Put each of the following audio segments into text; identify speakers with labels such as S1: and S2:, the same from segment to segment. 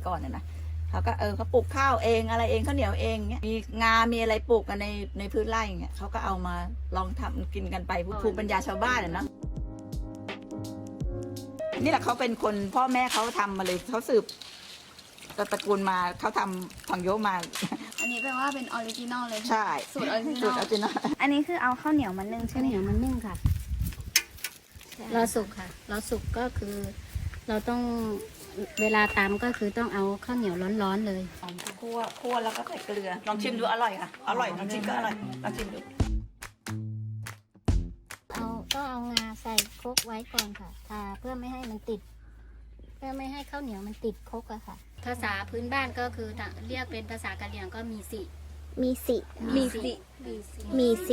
S1: ก่อนนะเขาก็เขาปลูกข้าวเองอะไรเองข้าวเหนียวเองเงี้ยมีงา มีอะไรปลูกกันในพื้นไร่เงี้ยเขาก็เอามาลองทำกินกันไปภูมิปัญญาชาวบ้านเนาะนี่แหละเขาเป็นคนพ่อแม่เขาทำมาเลยเขาสืบตระกูลมาเขาทำทองโยมา
S2: อันนี้แปลว่าเป็นออริจินอลเลย
S1: ใช่
S2: สูตรออริจิน
S1: สู
S2: อ
S1: ตรอ
S2: ล
S1: อริจินอล
S2: อันนี้คือเอาข้าวเหนียวมานึ่งใช่
S3: ข้าว
S2: ไหม
S3: เหนียวมันนึ่งค่ะรอสุกค่ะรอสุกก็คือ เราต้องเวลาตำก็คือต้องเอาข้าวเหนียวร้อนๆเลย
S1: คั่วแล้วก็ใส่เกลือลองชิมดูอร่อยค่ะอร่อยลองชิมก็อร่อยลองชิมดู
S3: ก็เอางาใส่ครกไว้ก่อนค่ะทาเพื่อไม่ให้มันติด เพื่อไม่ให้ข้าวเหนียวมันติดครกอะค่ะ ภาษาพื้นบ้านก็คือเรียกเป็นภาษากะเหรี่ยงก็มีสิ
S4: มีสิ
S2: มีสิ
S4: มีสิ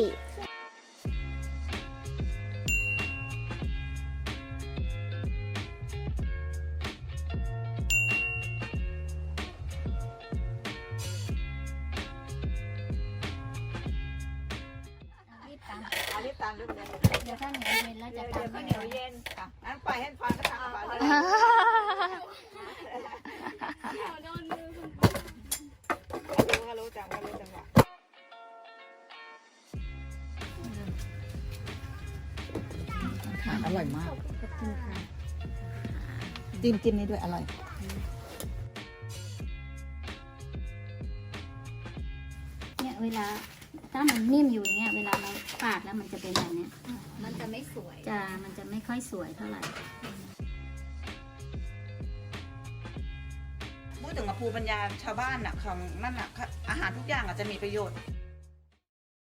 S3: รีบตำ
S1: เอารีบตามด้วยเลย
S3: เดี๋ยวข้าวเหนียวเย็นแล้วจะ
S1: เดี๋ยว
S3: ตำ
S1: ข้าวเหนียวเย็นค่ะงั้นปล่อยให้ฟังก็ทำไปเลยรู้จังว่ารู้จังหวะอร่อยมาก
S3: ขอบคุณค่ะ
S1: จิ้มนี่ด้วยอร่อย
S3: เนี่ยเวลาถ้ามันนิ่มอยู่อย่างเงี้ยเวลาเราปาดแล้วมันจะเป็นแบบเนี้ย
S2: มันจะไม่สวย
S3: มันจะไม่ค่อยสวยเท่าไหร่
S1: พูดถึงภูมิปัญญาชาวบ้านน่ะของนั่นน่ะอาหารทุกอย่างอาจจะมีประโยชน์